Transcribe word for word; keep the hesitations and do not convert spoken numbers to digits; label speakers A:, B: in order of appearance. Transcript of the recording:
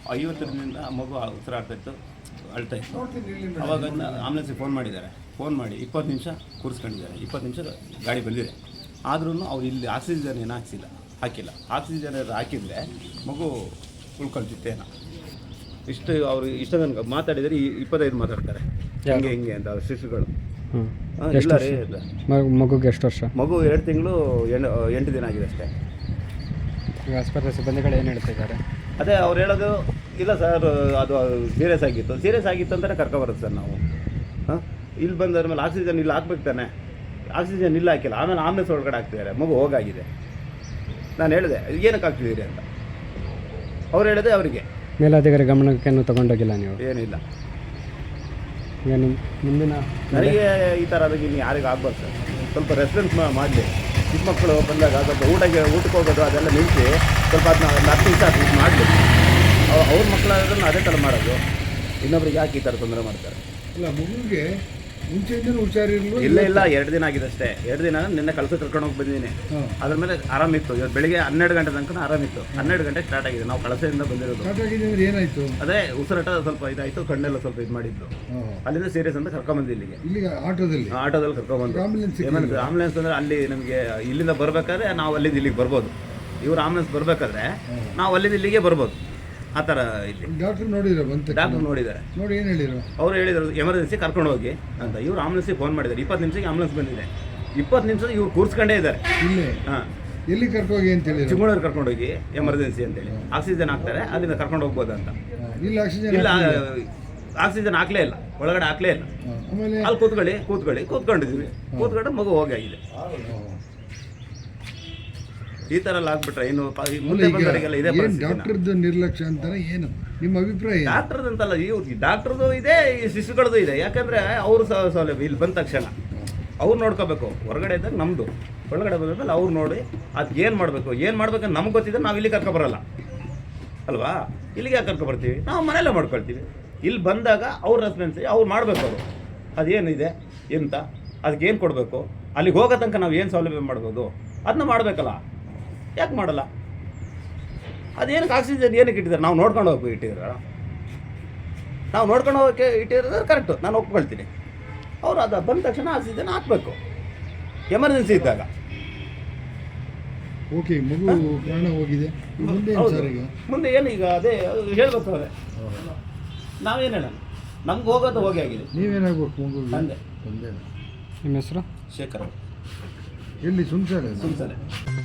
A: ಐವತ್ತರಿಂದ ಮಗು ಉಸಿರಾಡ್ತಾ ಇತ್ತು, ಅಳ್ತಾ ಇತ್ತು. ಅವಾಗ ಆಂಬುಲೆನ್ಸಿಗೆ ಫೋನ್ ಮಾಡಿದ್ದಾರೆ. ಫೋನ್ ಮಾಡಿ ಇಪ್ಪತ್ತು ನಿಮಿಷ ಕೂರಿಸ್ಕೊಂಡಿದ್ದಾರೆ. ಇಪ್ಪತ್ತು ನಿಮಿಷ ಗಾಡಿ ಬಂದಿದೆ. ಆದ್ರೂ ಅವ್ರು ಇಲ್ಲಿ ಆಕ್ಸಿಜನ್ ಏನು ಹಾಕ್ಸಿಲ್ಲ ಹಾಕಿಲ್ಲ ಆಕ್ಸಿಜನ್ ಏನಾದ್ರು ಹಾಕಿದರೆ ಮಗು ಉಳ್ಕೊಳ್ತಿತ್ತೇನೋ. ಇಷ್ಟು ಅವರು ಇಷ್ಟ ತನಕ ಮಾತಾಡಿದರೆ ಈ ಇಪ್ಪತ್ತೈದು ಮಾತಾಡ್ತಾರೆ ಹಿಂಗೆ ಹಿಂಗೆ ಅಂತ ಅವ್ರ ಶಿಶುಗಳು. ಇಲ್ಲ ರೀ,
B: ಮಗುಗೆ ಎಷ್ಟು ವರ್ಷ?
A: ಮಗು ಎರಡು ತಿಂಗಳು ಎಂಟು ದಿನ ಆಗಿದೆ ಅಷ್ಟೇ.
B: ಈಗ ಆಸ್ಪತ್ರೆ ಸಿಬ್ಬಂದಿಗಳು ಏನು ಹೇಳ್ತಿದ್ದಾರೆ?
A: ಅದೇ ಅವ್ರು ಹೇಳೋದು ಇಲ್ಲ ಸರ್, ಅದು ಸೀರಿಯಸ್ ಆಗಿತ್ತು ಸೀರಿಯಸ್ ಆಗಿತ್ತು ಅಂತಲೇ ಕರ್ಕೊಬರೋದು ಸರ್ ನಾವು. ಹಾಂ, ಇಲ್ಲಿ ಬಂದ ಮೇಲೆ ಆಕ್ಸಿಜನ್ ಇಲ್ಲ ಹಾಕ್ಬೇಕು ತಾನೆ, ಆಕ್ಸಿಜನ್ ಇಲ್ಲ ಹಾಕಿಲ್ಲ. ಆಮೇಲೆ ಆಂಬುಲೆನ್ಸ್ ಒಳಗಡೆ ಹಾಕ್ತಿದ್ದಾರೆ, ಮಗು ಹೋಗಾಗಿದೆ. ನಾನು ಹೇಳಿದೆ ಏನಕ್ಕೆ ಹಾಕ್ತಿದ್ದೀರಿ ಅಂತ. ಅವ್ರು ಹೇಳಿದೆ ಅವರಿಗೆ
B: ಮೇಲಾಧಿಕಾರಿ ಗಮನಕ್ಕೇನು ತಗೊಂಡೋಗಿಲ್ಲ ನೀವು?
A: ಏನಿಲ್ಲ.
B: ಈಗ ನಿಮ್ಮ ಮುಂದಿನ
A: ನನಗೆ ಈ ಥರ ಅದಕ್ಕೆ ಇನ್ನು ಯಾರಿಗೂ ಆಗ್ಬಾರ್ದು ಸರ್. ಸ್ವಲ್ಪ ರೆಸ್ಪಾನ್ಸ್ ಮಾಡಲಿ. ಚಿಕ್ಕ ಮಕ್ಕಳು ಬಂದಾಗ ಸ್ವಲ್ಪ ಊಟಕ್ಕೆ ಊಟಕ್ಕೆ ಹೋಗೋದು ಅದೆಲ್ಲ ನಿಲ್ಲಿಸಿ ಸ್ವಲ್ಪ ಅದನ್ನ ಒಂದು ಹತ್ತು ನಿಮಿಷ ಅದು ಇದು ಮಾಡಲಿ. ಅವ್ರ ಮಕ್ಕಳಾದ್ರೂ ಅದೇ ಥರ ಮಾಡೋದು. ಇನ್ನೊಬ್ರಿಗೆ ಯಾಕೆ ಈ ಥರ ತೊಂದರೆ ಮಾಡ್ತಾರೆ?
C: ಇಲ್ಲ, ಮಗುವಿಗೆ ಮುಂಚೆಯಿಂದ ಹುಷಾರಿರಲಿಲ್ಲ.
A: ಇಲ್ಲ ಇಲ್ಲ ಎರಡು ದಿನ ಆಗಿದೆ ಅಷ್ಟೇ. ಎರಡು ದಿನ ನಿನ್ನೆ ಕೆಲಸ ಕರ್ಕೊಂಡು ಹೋಗಿ ಬಂದಿದ್ದೀನಿ. ಅದ್ರ ಮೇಲೆ ಆರಾಮಿತ್ತು. ಇವತ್ತು ಬೆಳಿಗ್ಗೆ ಹನ್ನೆರಡು ಗಂಟೆ ತನಕ ಆರಾಮಿತ್ತು. ಹನ್ನೆರಡು ಗಂಟೆ ಸ್ಟಾರ್ಟ್ ಆಗಿದೆ. ನಾವು ಕಳಸೆಯಿಂದ ಬಂದಿರೋದು.
C: ಸ್ಟಾರ್ಟ್ ಆಗಿದೆ ಅಂದ್ರೆ ಏನಾಯ್ತು?
A: ಅದೇ ಉಸಿರಾಟ ಸ್ವಲ್ಪ ಇದಾಯಿತು, ಕಣ್ಣೆಲ್ಲ ಸ್ವಲ್ಪ ಇದು ಮಾಡಿದ್ದು. ಅಲ್ಲಿಂದ ಸೀರಿಯಸ್ ಅಂತ ಕರ್ಕೊಂಬಂದು ಇಲ್ಲಿಗೆ
C: ಇಲ್ಲಿಗೆ ಆಟೋದಲ್ಲಿ
A: ಆಟೋದಲ್ಲಿ ಕರ್ಕೊಂಬಂದು.
C: ಆಂಬುಲೆನ್ಸ್
A: ಆಂಬುಲೆನ್ಸ್ ಅಂದರೆ ಅಲ್ಲಿ ನಮಗೆ ಇಲ್ಲಿಂದ ಬರಬೇಕಾದ್ರೆ ನಾವು ಅಲ್ಲಿಂದ ಇಲ್ಲಿಗೆ ಬರ್ಬೋದು. ಇವ್ರು ಆಂಬುಲೆನ್ಸ್ ಬರಬೇಕಾದ್ರೆ ನಾವು ಅಲ್ಲಿಂದ ಇಲ್ಲಿಗೆ ಬರ್ಬೋದು. ಆ ಥರ ಇಲ್ಲಿ
C: ಡಾಕ್ಟರ್ ನೋಡಿದ್ರು, ಬಂತು
A: ಡಾಕ್ಟರ್ ನೋಡಿದ್ದಾರೆ.
C: ನೋಡಿ ಏನು ಹೇಳಿದ್ರು?
A: ಅವ್ರು ಹೇಳಿದ್ರು ಎಮರ್ಜೆನ್ಸಿ ಕರ್ಕೊಂಡು ಹೋಗಿ ಅಂತ. ಇವ್ರು ಆಂಬುಲೆನ್ಸಿಗೆ ಫೋನ್ ಮಾಡಿದ್ದಾರೆ. ಇಪ್ಪತ್ತು ನಿಮಿಷಕ್ಕೆ ಆಂಬುಲೆನ್ಸ್ ಬಂದಿದೆ. ಇಪ್ಪತ್ತು ನಿಮಿಷ ಇವ್ರು ಕೂರಿಸ್ಕೊಂಡೇ ಇದ್ದಾರೆ.
C: ಇಲ್ಲೇ
A: ಹಾಂ,
C: ಎಲ್ಲಿ ಕರ್ಕೋಗಿ ಅಂತ ಹೇಳಿ
A: ಚಿಕ್ಕಮಗಳೂರು ಕರ್ಕೊಂಡೋಗಿ ಎಮರ್ಜೆನ್ಸಿ ಅಂತೇಳಿ ಆಕ್ಸಿಜನ್ ಹಾಕ್ತಾರೆ, ಅಲ್ಲಿಂದ ಕರ್ಕೊಂಡು ಹೋಗ್ಬೋದು ಅಂತ.
C: ಇಲ್ಲ ಆಕ್ಸಿಜನ್
A: ಇಲ್ಲ, ಆಕ್ಸಿಜನ್ ಹಾಕ್ಲೇ ಇಲ್ಲ, ಒಳಗಡೆ ಹಾಕ್ಲೇ ಇಲ್ಲ.
C: ಆಮೇಲೆ
A: ಅಲ್ಲಿ ಕೂತ್ಕೊಳ್ಳಿ ಕೂತ್ಕೊಳ್ಳಿ ಕೂತ್ಕೊಂಡಿದ್ವಿ. ಕೂತ್ಕೊಂಡು ಮಗು ಹೋಗಾಗಿದೆ. ಈ ಥರ ಎಲ್ಲ ಆಗ್ಬಿಟ್ರೆ ಇನ್ನು ಮುಂದೆ ಬಂದವರಿಗೆಲ್ಲ ಇದೇ ಪರಿಸ್ಥಿತಿ.
C: ಡಾಕ್ಟರ್ದು ನಿರ್ಲಕ್ಷ್ಯ ಅಂತಾನೆ ಏನು ನಿಮ್ಮ ಅಭಿಪ್ರಾಯ?
A: ಡಾಕ್ಟರ್ದು ಅಂತಲ್ಲ, ಇವ್ರು ಡಾಕ್ಟರ್ದು ಇದೆ, ಈ ಶಿಶುಗಳದ್ದು ಇದೆ. ಯಾಕಂದ್ರೆ ಅವರು ಸೌಲಭ್ಯ ಇಲ್ಲಿ ಬಂದ ತಕ್ಷಣ ಅವ್ರು ನೋಡ್ಕೋಬೇಕು. ಹೊರಗಡೆ ಇದ್ದಾಗ ನಮ್ಮದು, ಒಳಗಡೆ ಬಂದ್ಮೇಲೆ ಅವ್ರು ನೋಡಿ ಅದು ಏನು ಮಾಡಬೇಕು ಏನು ಮಾಡ್ಬೇಕಂತ ನಮ್ಗೆ ಗೊತ್ತಿದ್ರೆ ನಾವು ಇಲ್ಲಿ ಕರ್ಕೊಬರಲ್ಲ ಅಲ್ವಾ? ಇಲ್ಲಿಗೆ ಯಾಕೆ ಕರ್ಕೊಬರ್ತೀವಿ? ನಾವು ಮನೆಯಲ್ಲೇ ಮಾಡ್ಕೊಳ್ತೀವಿ. ಇಲ್ಲಿ ಬಂದಾಗ ಅವ್ರ ರೆಸ್ಪಾನ್ಸಿ ಅವ್ರು ಮಾಡಬೇಕು. ಅವರು ಅದೇನಿದೆ ಎಂತ, ಅದಕ್ಕೆ ಏನು ಕೊಡಬೇಕು, ಅಲ್ಲಿಗೆ ಹೋಗೋ ತನಕ ನಾವು ಏನು ಸೌಲಭ್ಯ ಮಾಡ್ಬೋದು ಅದನ್ನ ಮಾಡಬೇಕಲ್ಲ. ಯಾಕೆ ಮಾಡಲ್ಲ? ಅದೇನಕ್ಕೆ ಆಕ್ಸಿಜನ್ ಏನಕ್ಕೆ ಇಟ್ಟಿದ್ದಾರೆ? ನಾವು ನೋಡ್ಕೊಂಡು ಹೋಗಿ ಇಟ್ಟಿದ್ದಾರೆ. ನಾವು ನೋಡ್ಕೊಂಡು ಹೋಗೋಕ್ಕೆ ಇಟ್ಟಿರೋದು ಕರೆಕ್ಟು, ನಾನು ಒಪ್ಕೊಳ್ತೀನಿ. ಅವರು ಅದು ಬಂದ ತಕ್ಷಣ ಆಕ್ಸಿಜನ್ ಹಾಕಬೇಕು ಎಮರ್ಜೆನ್ಸಿ ಇದ್ದಾಗ.
C: ಓಕೆ, ಮಗು ಪ್ರಾಣ ಹೋಗಿದೆ. ಮುಂದೆ ಸರ್ ಈಗ
A: ಮುಂದೆ ಏನು ಈಗ ಅದೇ ಹೇಳ್ಬೇಕು ಅವರೇ. ನಾವೇನು ಹೇಳೋಣ? ನಮ್ಗೆ ಹೋಗೋದು ಹೋಗಿ ಆಗಿದೆ.
C: ನೀವೇನಾಗಬೇಕು ಮಗು?
A: ತಂದೆ.
C: ತಂದೆ.
B: ನಿಮ್ಮ ಹೆಸರು?
A: ಶೇಖರ್.
C: ಎಲ್ಲಿ? ಸುಂಚನೆ.
A: ಸುಮ್ಸನೆ.